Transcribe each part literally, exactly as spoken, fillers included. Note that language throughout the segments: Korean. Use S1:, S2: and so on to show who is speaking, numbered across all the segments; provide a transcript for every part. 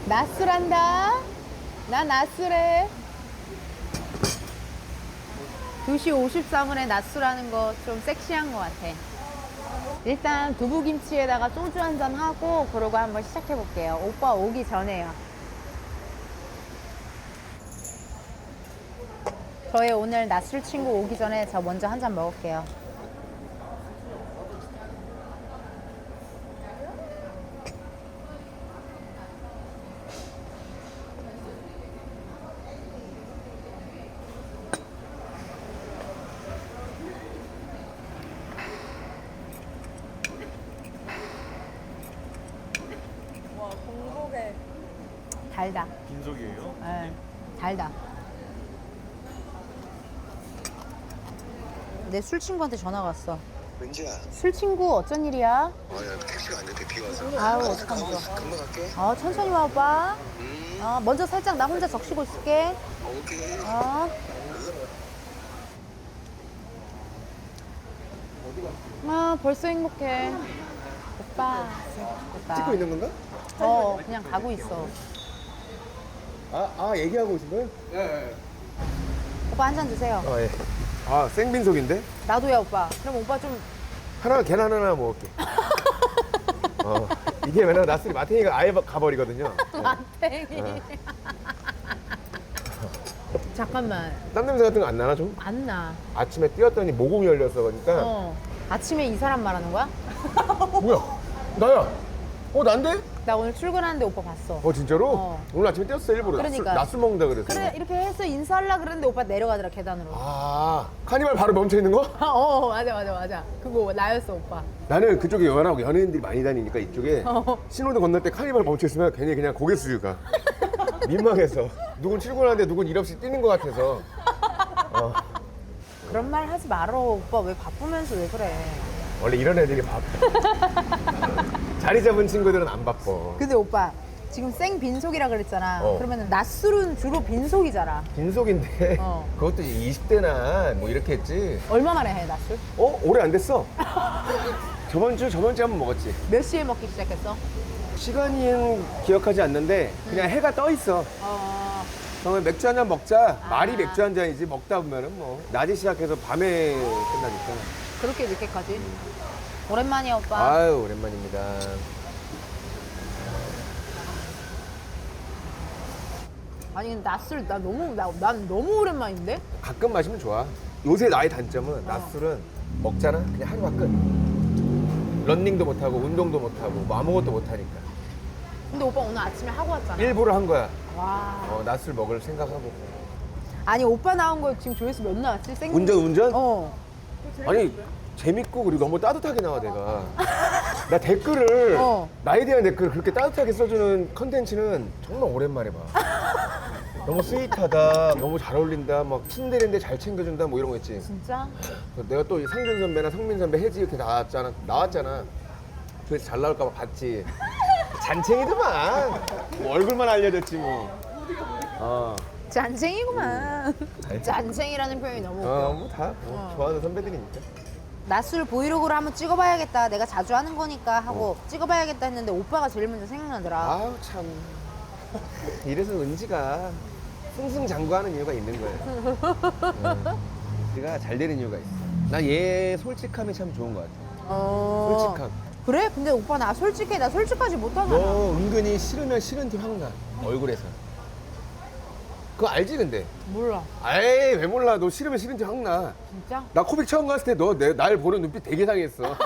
S1: 낮술한다. 나 낮술해. 두 시 오십사 분에 낮술하는 거 좀 섹시한 것 같아. 일단 두부김치에다가 소주 한잔 하고 그러고 한번 시작해 볼게요. 오빠 오기 전에요. 저의 오늘 낮술 친구 오기 전에 저 먼저 한 잔 먹을게요.
S2: 와, 공복에
S1: 달다.
S3: 빈속이에요?
S1: 네, 달다. 내 술 친구한테 전화가 왔어.
S4: 은지야,
S1: 술 친구 어쩐 일이야?
S4: 아야 택시가 안 잡혀 비 와서.
S1: 아유,
S4: 알았어,
S1: 어떡하면
S4: 금방,
S1: 좋아.
S4: 금방 갈게.
S1: 어, 천천히 와, 오빠.
S4: 음,
S1: 어, 먼저 살짝 나 혼자 적시고 있을게.
S4: 오케이.
S1: 어. 아, 벌써 행복해. 오빠. 오빠.
S5: 찍고 있는 건가?
S1: 어, 그냥 가고 있어.
S5: 아, 아 얘기하고 계신 거예요?
S1: 오빠 한 잔 드세요.
S5: 아, 예. 아, 생빈속인데?
S1: 나도야, 오빠. 그럼 오빠 좀.
S5: 하나, 계란 하나 먹을게. 어, 이게 왜냐면 나스리 마탱이가 아예 가버리거든요. 네.
S1: 마탱이. 잠깐만.
S5: 땀 냄새 같은 거 안 나나 좀?
S1: 안 나.
S5: 아침에 뛰었더니 모공이 열려서 그러니까.
S1: 어. 아침에 이 사람 말하는 거야?
S5: 뭐야? 나야. 어, 난데?
S1: 나 오늘 출근하는데 오빠 봤어.
S5: 어, 진짜로?
S1: 어.
S5: 오늘 아침에 뛰었어, 일부러.
S1: 그러니까.
S5: 낮술, 낮술 먹는다 그래서.
S1: 그래, 이렇게 해서 인사하려고 그랬는데 오빠 내려가더라, 계단으로.
S5: 아, 카니발 바로 멈춰 있는 거?
S1: 어, 맞아, 맞아, 맞아. 그거 나였어, 오빠.
S5: 나는 그쪽에 연하고 연예인들이 많이 다니니까 이쪽에
S1: 어.
S5: 신호등 건널 때 카니발 멈춰 있으면 괜히 그냥 고개 숙여가. 민망해서. 누군 출근하는데 누군 일 없이 뛰는 것 같아서. 어.
S1: 그런 말 하지 말어. 오빠 왜 바쁘면서 왜 그래.
S5: 원래 이런 애들이 바빠. 자리 잡은 친구들은 안 바빠.
S1: 근데 오빠, 지금 생 빈속이라 그랬잖아.
S5: 어.
S1: 그러면 낮술은 주로 빈속이잖아.
S5: 빈속인데
S1: 어.
S5: 그것도 이십 대나 뭐 이렇게 했지.
S1: 얼마 만에 해, 낮술?
S5: 어? 오래 안 됐어. 저번 주, 저번 주에 한번 먹었지.
S1: 몇 시에 먹기 시작했어?
S5: 시간은 기억하지 않는데 그냥 해가 떠 있어.
S1: 어,
S5: 그러면 맥주 한 잔 먹자.
S1: 아.
S5: 말이 맥주 한 잔이지. 먹다 보면은 뭐 낮에 시작해서 밤에 끝나니까.
S1: 그렇게 늦게까지? 오랜만이야, 오빠.
S5: 아유, 오랜만입니다.
S1: 아니, 근데 낮술, 나 너무, 나, 난 너무 오랜만인데?
S5: 가끔 마시면 좋아. 요새 나의 단점은 낮술은 먹잖아. 그냥 하루가 끝. 런닝도 못하고 운동도 못하고 뭐 아무것도 못하니까.
S1: 근데 오빠 오늘 아침에 하고 왔잖아.
S5: 일부러 한 거야.
S1: 와.
S5: 어, 낮술 먹을 생각하고.
S1: 아니, 오빠 나온 거 지금 조회수 몇 나왔지? 생...
S5: 운전, 운전?
S1: 어.
S5: 아니, 재밌고 그리고 너무 따뜻하게 나와, 내가. 나 댓글을,
S1: 어.
S5: 나에 대한 댓글을 그렇게 따뜻하게 써주는 컨텐츠는 정말 오랜만에 봐. 너무 스윗하다, 너무 잘 어울린다, 막 친데레인데 잘 챙겨준다, 뭐 이런 거 있지.
S1: 진짜?
S5: 내가 또 상준 선배나 성민 선배, 혜지 이렇게 나왔잖아. 나왔잖아. 그래서 잘 나올까봐 봤지. 잔챙이더만. 뭐 얼굴만 알려졌지 뭐. 어,
S1: 잔챙이구만.
S5: 아니.
S1: 잔챙이라는 표현이 너무 웃겨.
S5: 어, 뭐 다
S1: 어.
S5: 좋아하는 선배들이니까.
S1: 낮술 브이로그로 한번 찍어봐야겠다. 내가 자주 하는 거니까 하고 찍어봐야겠다 했는데 오빠가 제일 먼저 생각나더라.
S5: 아우 참. 이래서 은지가 승승장구하는 이유가 있는 거예요. 은지가 잘 되는 이유가 있어. 난 얘 솔직함이 참 좋은 것 같아.
S1: 어...
S5: 솔직함.
S1: 그래? 근데 오빠 나 솔직해. 나 솔직하지 못하잖아.
S5: 너 은근히 싫으면 싫은 티 확 나. 얼굴에서. 그거 알지 근데?
S1: 몰라.
S5: 에이 왜 몰라. 너 싫으면 싫은 티 확 나.
S1: 진짜?
S5: 나 코빅 처음 갔을 때 너 날 보는 눈빛 되게 상했어.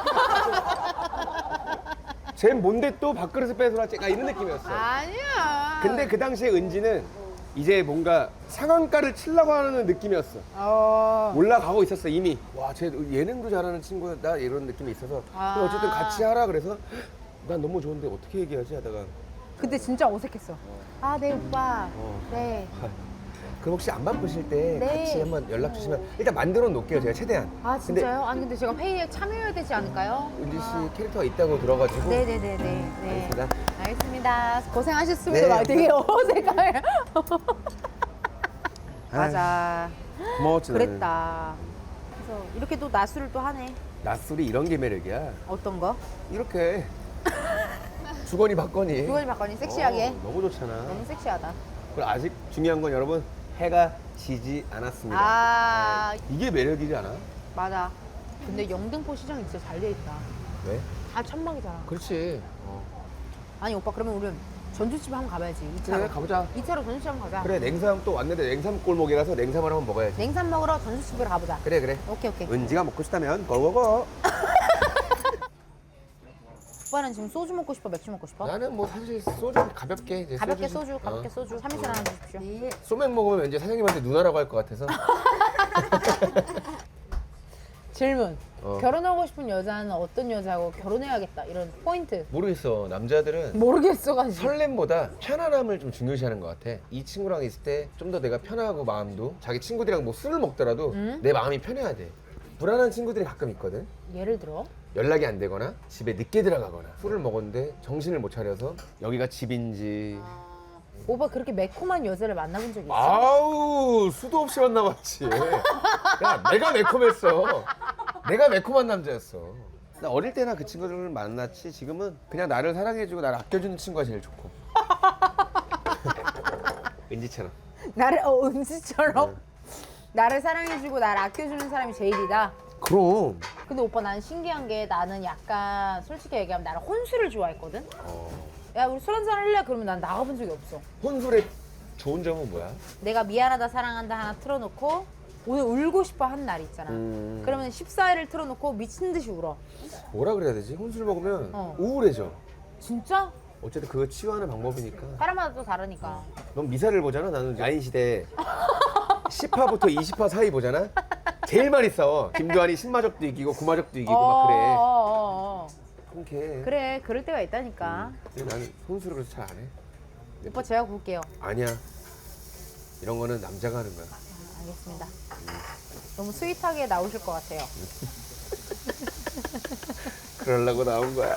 S5: 쟨 뭔데 또 밥그릇을 뺏어놨지? 나 이런 느낌이었어.
S1: 아니야.
S5: 근데 그 당시에 은지는 이제 뭔가 상한가를 치려고 하는 느낌이었어.
S1: 어...
S5: 올라가고 있었어 이미. 와, 쟤 예능도 잘하는 친구다 이런 느낌이 있어서.
S1: 아.
S5: 근데 어쨌든 같이 하라 그래서 난 너무 좋은데 어떻게 얘기하지 하다가.
S1: 그때 진짜 어색했어. 아, 네, 오빠.
S5: 어.
S1: 네.
S5: 그럼 혹시 안 바쁘실 때
S1: 네.
S5: 같이 한번 연락 주시면 일단 만들어 놓을게요 제가 최대한.
S1: 아,
S5: 근데
S1: 진짜요? 아니, 근데 제가 회의에 참여해야 되지 않을까요?
S5: 은지 씨 캐릭터가 있다고 들어가지고.
S1: 네네네네. 네.
S5: 알겠습니다.
S1: 알겠습니다. 고생하셨습니다.
S5: 네.
S1: 막 되게 어색해. 맞아.
S5: 고마웠지 나는.
S1: 그랬다. 그래서 이렇게 또 낮술을 또 하네.
S5: 낮술이 이런 게 매력이야.
S1: 어떤 거?
S5: 이렇게 주거니 받거니.
S1: 주거니 받거니 섹시하게.
S5: 어, 너무 좋잖아.
S1: 너무 섹시하다.
S5: 그리고 아직 중요한 건 여러분 해가 지지 않았습니다.
S1: 아
S5: 네. 이게 매력이지 않아?
S1: 맞아. 근데 영등포 시장이 진짜 잘 돼 있다.
S5: 왜?
S1: 다 천막이잖아.
S5: 그렇지. 어.
S1: 아니 오빠 그러면 우리 전주집 한번 가봐야지. 이 차로.
S5: 그래 가보자.
S1: 이 차로 전주집 한번 가자.
S5: 그래 냉삼 또 왔는데 냉삼 골목이라서 냉삼을 한번 먹어야지.
S1: 냉삼 먹으러 전주집으로 가보자.
S5: 그래 그래.
S1: 오케이 오케이.
S5: 은지가 먹고 싶다면 고고고.
S1: 오빠는 지금 소주 먹고 싶어? 맥주 먹고 싶어?
S5: 나는 뭐 사실 소주 가볍게 이제
S1: 가볍게
S5: 소주,
S1: 소주, 가볍게
S5: 어.
S1: 소주. 삼 인승 하나 주십시오.
S5: 네. 소맥 먹으면 왠지 사장님한테 누나라고 할 것 같아서.
S1: 질문.
S5: 어.
S1: 결혼하고 싶은 여자는 어떤 여자하고 결혼해야겠다. 이런 포인트.
S5: 모르겠어. 남자들은
S1: 모르겠어가지고.
S5: 설렘보다 편안함을 좀 중요시하는 것 같아. 이 친구랑 있을 때 좀 더 내가 편하고 마음도 자기 친구들이랑 뭐 술을 먹더라도
S1: 음?
S5: 내 마음이 편해야 돼. 불안한 친구들이 가끔 있거든.
S1: 예를 들어?
S5: 연락이 안 되거나 집에 늦게 들어가거나 술을 먹었는데 정신을 못 차려서 여기가 집인지
S1: 오빠 그렇게 매콤한 여자를 만나본 적 있어?
S5: 아우 수도 없이 만나봤지. 야 내가 매콤했어. 내가 매콤한 남자였어. 나 어릴 때나 그 친구들을 만났지 지금은 그냥 나를 사랑해주고 나를 아껴주는 친구가 제일 좋고. 은지처럼.
S1: 나를 어 은지처럼
S5: 네.
S1: 나를 사랑해주고 나를 아껴주는 사람이 제일이다.
S5: 그럼.
S1: 근데 오빠 나는 신기한 게 나는 약간 솔직히 얘기하면 나는 혼술을 좋아했거든.
S5: 어.
S1: 야 우리 술 한잔 할래? 그러면 난 나가본 적이 없어.
S5: 혼술의 좋은 점은 뭐야?
S1: 내가 미안하다 사랑한다 하나 틀어놓고 오늘 울고 싶어 한 날 있잖아.
S5: 음.
S1: 그러면 십사 일을 틀어놓고 미친 듯이 울어.
S5: 뭐라 그래야 되지? 혼술 먹으면
S1: 어.
S5: 우울해져.
S1: 진짜?
S5: 어쨌든 그거 치유하는 방법이니까.
S1: 사람마다 또 다르니까.
S5: 넌 미사를 보잖아. 나는 야인시대 십 화부터 이십 화 사이 보잖아. 제일 많이 싸워. 김도환이 신마적도 이기고 구마적도 이기고 막 그래.
S1: 어, 어, 어.
S5: 통쾌해.
S1: 그래 그럴 때가 있다니까.
S5: 근데 나는 혼술을 그래서 잘 안 해.
S1: 오빠 제가 볼게요.
S5: 아니야. 이런 거는 남자가 하는 거야.
S1: 아, 알겠습니다. 너무 스윗하게 나오실 것 같아요.
S5: 그러려고 나온 거야.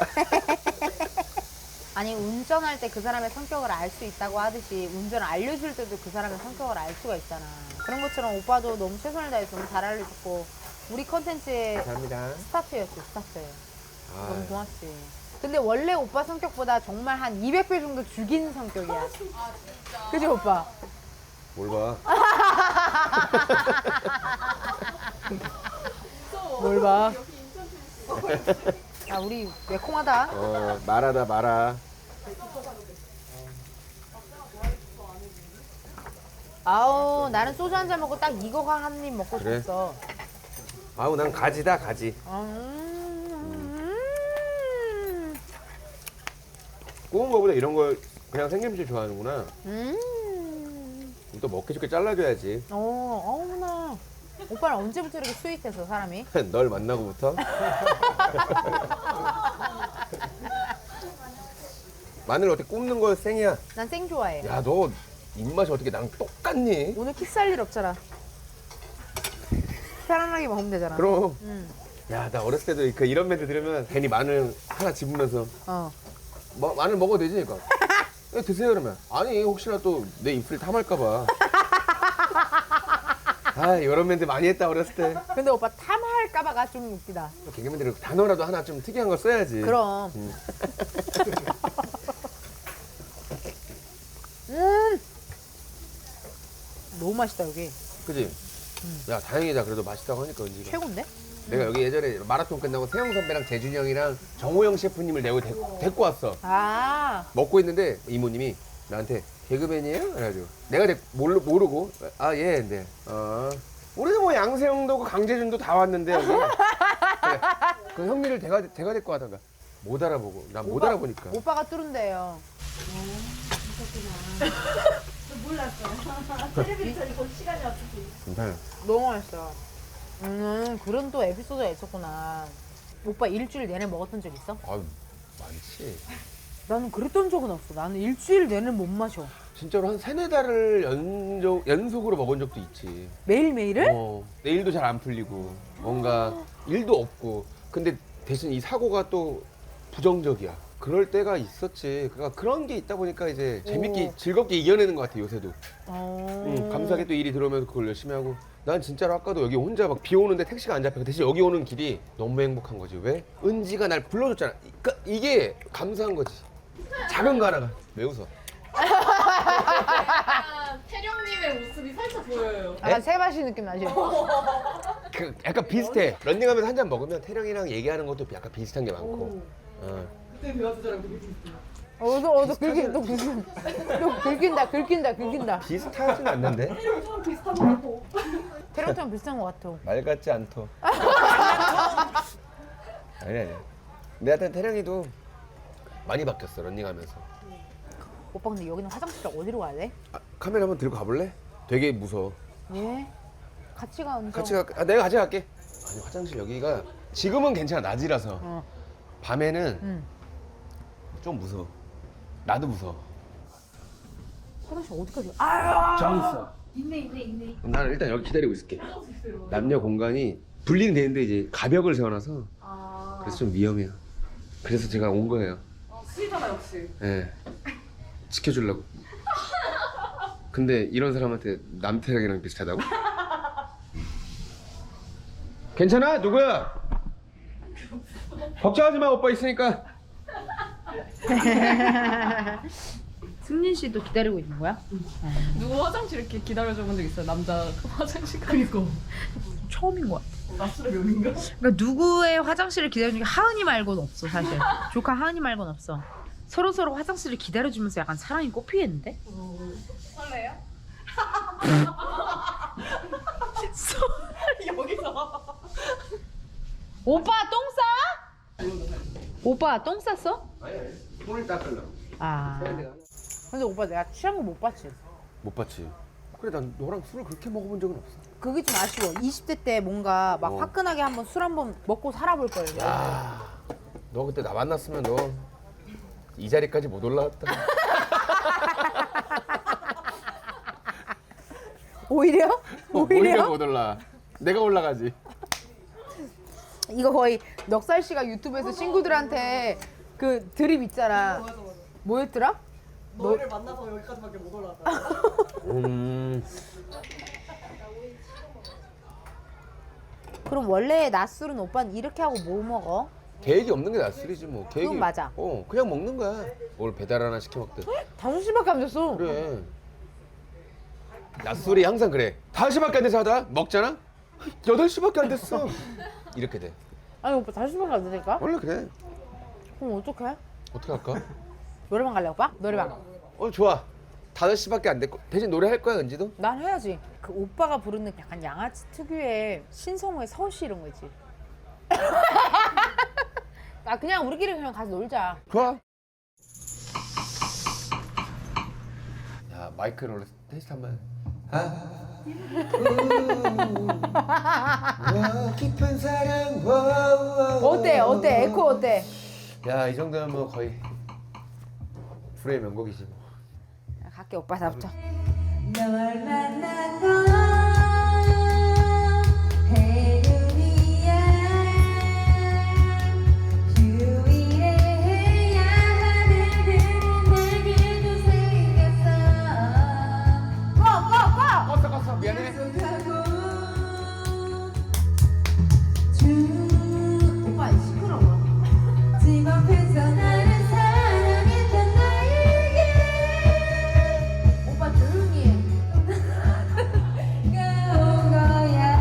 S1: 아니 운전할 때 그 사람의 성격을 알 수 있다고 하듯이 운전을 알려줄 때도 그 사람의 성격을 알 수가 있잖아. 그런 것처럼 오빠도 너무 최선을 다해서 너무 잘 알려줬고 우리 컨텐츠의
S5: 감사합니다.
S1: 스타트였어 스타트.
S5: 아,
S1: 너무 고맙지. 근데 원래 오빠 성격보다 정말 한 이백 배 정도 죽인 성격이야. 그지 오빠?
S5: 뭘 봐.
S1: 뭘 봐? 야 우리 매콤하다.
S5: 어, 말하다 말아.
S1: 아우 나는 소주 한 잔 먹고 딱 이거가 한 입 먹고
S5: 그래?
S1: 싶었어.
S5: 아우 난 가지다 가지.
S1: 음.
S5: 구운 거보다 이런 걸 그냥 생김치 좋아하는구나.
S1: 음.
S5: 그럼 또 먹기 좋게 잘라줘야지.
S1: 어, 어머나. 오빠는 언제부터 이렇게 스윗해서 사람이?
S5: 널 만나고부터. 마늘 어떻게 굽는 거 생이야?
S1: 난 생 좋아해.
S5: 야 너 입맛이 어떻게 나랑 똑같니?
S1: 오늘 키스할 일 없잖아. 편안하게 먹으면 되잖아.
S5: 그럼.
S1: 응.
S5: 야 나 어렸을 때도 그 이런 멘트 들으면 괜히 마늘 하나 집으면서
S1: 어.
S5: 뭐, 마늘 먹어도 되지? 그러니까 야, 드세요 그러면. 아니 혹시나 또 내 입술 탐할까 봐. 아 이런 멘트 많이 했다 어렸을 때.
S1: 근데 오빠 탐할까봐가 좀 웃기다.
S5: 개그맨들은 단어라도 하나 좀 특이한 거 써야지.
S1: 그럼.
S5: 음.
S1: 음. 너무 맛있다 여기.
S5: 그지? 야 다행이다 그래도 맛있다고 하니까 은지가.
S1: 최고인데?
S5: 내가 여기 예전에 마라톤 끝나고 세영 선배랑 재준이 형이랑 정호영 셰프님을 내고 데, 데리고 왔어.
S1: 아.
S5: 먹고 있는데 이모님이 나한테 개그맨이에요? 그래가지고 내가 데, 모르, 모르고 아 예 근데 어 우리도 뭐 양세형도 그 강재준도 다 왔는데 여기 그래. 그 형님을 대가 대가 데리고 하다가 못 알아보고 난 못
S1: 오빠-
S5: 알아보니까
S1: 오빠가 뚫은데요.
S5: 괜찮아.
S1: 너무 맛있어. 음 그런 또 에피소드가 있었구나. 오빠 일주일 내내 먹었던 적 있어?
S5: 아유 많지.
S1: 나는 그랬던 적은 없어. 나는 일주일 내내 못 마셔.
S5: 진짜로 한 세네 달을 연속 연속으로 먹은 적도 있지.
S1: 매일매일을?
S5: 어, 내일도 잘 안 풀리고 뭔가 일도 없고 근데 대신 이 사고가 또 부정적이야. 그럴 때가 있었지. 그러니까 그런 게 있다 보니까 이제 재밌게
S1: 오.
S5: 즐겁게 이겨내는 것 같아 요새도.
S1: 어...
S5: 응, 감사하게 또 일이 들어오면서 그걸 열심히 하고. 난 진짜로 아까도 여기 혼자 막 비 오는데 택시가 안 잡혀. 대신 여기 오는 길이 너무 행복한 거지. 왜? 은지가 날 불러줬잖아. 그러니까 이게 감사한 거지. 작은 거 하나가. 왜 웃어?
S2: 약간 태령님의 모습이 살짝 보여요.
S1: 약간 세바시 느낌 나죠?
S5: 그 약간 비슷해. 런닝하면서 한 잔 먹으면 태령이랑 얘기하는 것도 약간 비슷한 게 많고. 어.
S2: 그때 대화 주제랑 되게 비슷해요.
S1: 어도 어도 긁힌 또 긁힌 또 긁힌다 긁힌다 긁힌다.
S5: 비슷하진 않는데?
S2: 태령처럼 비슷한 거 같고.
S1: 태령처럼 비슷한 것 같아.
S5: 말 같지 않더. 아니 아니. 근데 하여튼 태령이도 많이 바뀌었어 런닝하면서.
S1: 오빠 근데 여기는 화장실 어디로 가야 돼?
S5: 아, 카메라 한번 들고 가볼래? 되게 무서워.
S1: 예? 같이 가 언제?
S5: 같이 가. 아, 내가 같이 갈게. 아니 화장실 여기가 지금은 괜찮아 낮이라서.
S1: 어.
S5: 밤에는
S1: 응.
S5: 좀 무서워. 나도 무서워.
S1: 화장실 어디까지? 아.
S5: 저기 있어.
S2: 있네 있네 있네.
S5: 그럼 나는 일단 여기 기다리고 있을게. 남녀 공간이 분리는 되는데 이제 가벽을 세워놔서
S2: 아.
S5: 그래서 좀 위험해요. 그래서 제가 온 거예요.
S2: 수위잖아 역시.
S5: 예. 지켜주려고. 근데 이런 사람한테 남태랑이랑 비슷하다고? 괜찮아? 누구야? 걱정하지 마, 오빠 있으니까.
S1: 승진 씨도 기다리고 있는 거야?
S2: 누구 화장실 이렇게 기다려줘 본 적 있어요? 남자 화장실. 그니까.
S1: 처음인 것 같아.
S2: 낮술의 묘미인가?
S1: 그러니까 누구의 화장실을 기다리는 게 하은이 말고는 없어 사실. 조카 하은이 말고는 없어. 서로 서로 화장실을 기다려주면서 약간 사랑이 꽃피겠는데?
S2: 설레요? 여기서.
S1: 오빠 똥 싸? 오빠 똥 쌌어?
S5: 아니, 아니. 손을 닦으려고.
S1: 아. 근데 오빠 내가 취한 거 못 봤지?
S5: 못 봤지. 그래, 난 너랑 술을 그렇게 먹어본 적은 없어.
S1: 그게 좀 아쉬워. 이십 대 때 뭔가 막
S5: 어.
S1: 화끈하게 한번 술 한번 먹고 살아볼 걸.
S5: 야, 너 그때 나 만났으면 너 이 자리까지 못 올라왔다.
S1: 오히려? 오히려?
S5: 못 올라. 내가 올라가지.
S1: 이거 거의 넉살 씨가 유튜브에서 친구들한테 그 드립 있잖아.
S2: 맞아 맞아.
S1: 뭐였더라?
S2: 너를 만나서 여기까지밖에 못 올라가.
S5: 음.
S1: 그럼 원래 낮술은 오빠는 이렇게 하고 뭐 먹어?
S5: 계획이 없는 게 낫술이지 뭐. 계획이.
S1: 그건 맞아.
S5: 어, 그냥 먹는 거야. 뭘 배달 하나 시켜 먹든.
S1: 다섯 시밖에 안 됐어.
S5: 그래. 낮술이 항상 그래. 다섯 시밖에 안 돼서 하다 먹잖아? 여덟 시밖에 안 됐어. 이렇게 돼.
S1: 아니 오빠 다섯 시밖에 안 되니까?
S5: 원래 그래.
S1: 그럼 어떡해?
S5: 어떻게 할까?
S1: 노래방 갈래 오빠? 노래방.
S5: 어, 좋아. 다섯 시밖에 안 됐고. 대신 노래 할 거야, 은지도?
S1: 난 해야지. 그 오빠가 부르는 약간 양아치 특유의 신성우의 서시 이런 거 있지. 아 그냥 우리끼리 그냥 가서 놀자.
S5: 좋아. 야, 마이크를 원래 테스트 한번. 아. 와, 깊은 사랑. 와, 와,
S1: 어때? 어때? 에코 어때?
S5: 야, 이 정도면 뭐 거의 불의 명곡이지 뭐.
S1: 갈게 오빠 잡자.
S3: 널 만나고 해루이야 휴일해야 하는 내게도 생겼어
S1: 꺼꺼꺼!
S5: 껐어, 껐어. 미안해.
S3: 약속하고 주
S1: 오빠 시끄러워.
S3: 집 앞에서 나를 사랑했던 나에게
S1: 오빠 조용히 해.
S3: 가온 거야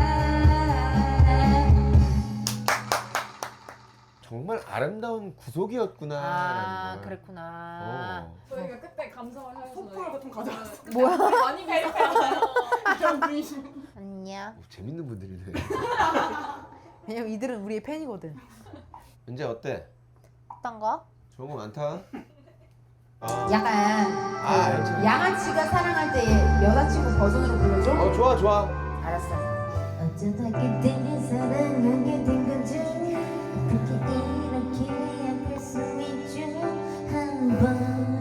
S5: 정말 아름다운 구속이었구나.
S1: 아 그랬구나.
S5: 어.
S2: 저희가 그때 감성을 하면서 소풀 같은 거 가져왔어요.
S1: 뭐야?
S2: 많이 배려했어요. 이런 분이시면.
S1: 안녕.
S5: 오, 재밌는 분들이네.
S1: 왜냐면 이들은 우리의 팬이거든.
S5: 은재 어때?
S1: 어떤 거?
S5: 좋은 거 많다.
S1: 약간
S5: 아, 알지.
S1: 양아치가 사랑할 때 여자친구 버전으로 불러줘?
S5: 어, 좋아, 좋아.
S1: 알았어.
S3: 어쩌다 그때의 사랑하게 된 거죠 어떻게 이렇게 아플 수 있죠 한번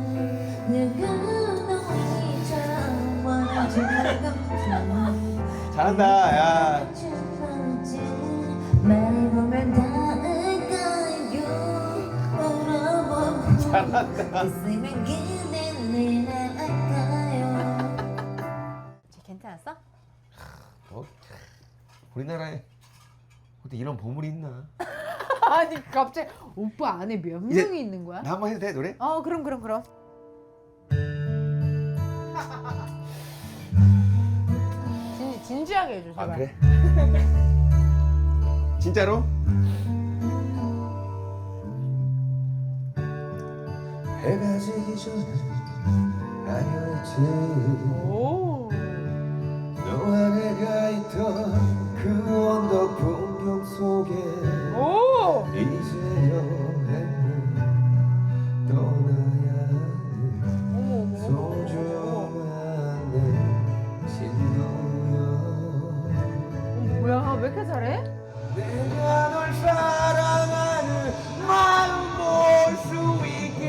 S3: 누구도 이처럼 원하지는 않죠
S5: 잘한다, 야.
S3: 말해보면 닿을까요 물어보고
S5: 잘한다.
S3: 있으면 그댄 내 나을까요
S1: 쟤 괜찮았어?
S5: 어? 우리나라에 어디 이런 보물이 있나?
S1: 아니 갑자기 오빠 안에 몇
S5: 이제-
S1: 명이 있는 거야?
S5: 나 한번 해도 돼 노래?
S1: 어 그럼 그럼 그럼. 진, 진지하게 해줘 제발.
S5: 아 그래? 진짜로? 해가 지기 전에 아니었지
S1: 오.
S5: 너와 내가 있던 그 언덕 풍경 속에
S1: 오.
S5: 이제 여행을 떠나야 하는
S1: 어머 어머.
S5: 소중한 내 친구여
S1: 뭐야 왜 이렇게 잘해?
S5: 내가 널 사랑하는 마음 볼 수 있게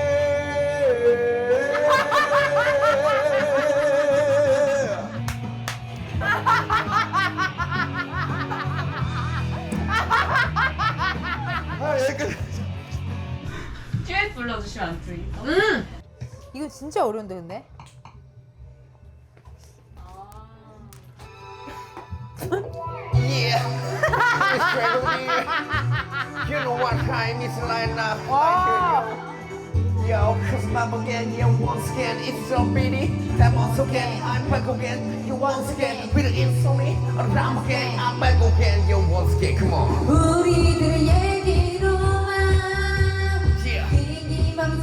S5: 아 여기까지
S2: 듀엣 불러주시면 안 되겠다.
S1: 음. 이거 진짜 어려운데 근데.
S5: Yeah, it's Gregory. You know what time it's like now.
S1: 와.
S5: Yo, cause mama again, yeah, once again, it's so pretty. That once again, I'm back again. You once again, with the insomnia. I'm again, I'm back again. You once again, come on.
S3: 우리들의 얘기로만
S5: Yeah.
S3: 긴긴 밤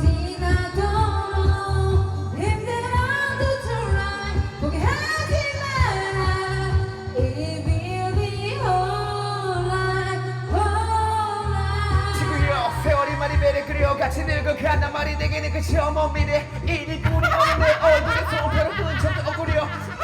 S3: 지나도록 힘들어도 try 포기하지 마라 It will be alright alright
S5: 지구여, 세월이 많이 배를 끓여 같이 늙어간단 말이 내게는 끝이 없는 미래. 일이 꾼이 없는 내 얼굴에 손가락 끈 척도 억울려.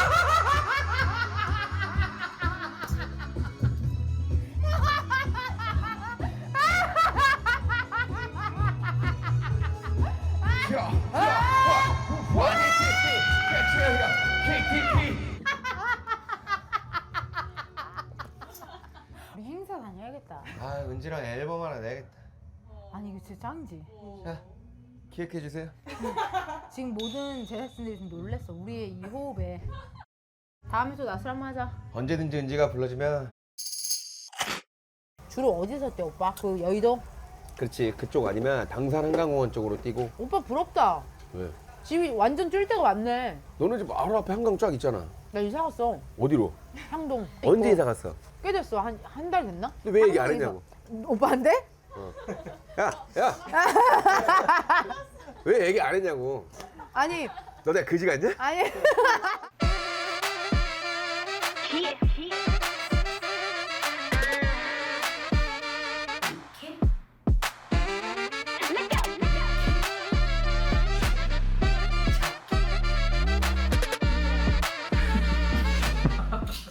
S1: 우리 행사 다녀야겠다.
S5: 아 은지랑 앨범 하나 내야겠다.
S1: 아니 이거 진짜 짱이지.
S5: 자 기획해 주세요.
S1: 지금 모든 제작진들이 좀 놀랬어. 우리의 이 호흡에. 다음에 또 나술 한번 하자.
S5: 언제든지 은지가 불러주면.
S1: 주로 어디서 뛰어 오빠? 그 여의도?
S5: 그렇지 그쪽 아니면 당산 한강공원 쪽으로 뛰고.
S1: 오빠 부럽다.
S5: 왜?
S1: 집이 완전 뛸 데가 많네.
S5: 너는 집 바로 앞에 한강 쫙 있잖아.
S1: 나 이사 갔어.
S5: 어디로?
S1: 향동.
S5: 언제
S1: 있고.
S5: 이사 갔어?
S1: 꽤 됐어. 한 한 달 됐나?
S5: 근데 왜 얘기 안
S1: 향동에서.
S5: 했냐고.
S1: 오빠한테?
S5: 어. 야, 야. 왜 얘기 안 했냐고.
S1: 아니
S5: 너 내가 그지 같냐?
S1: 아니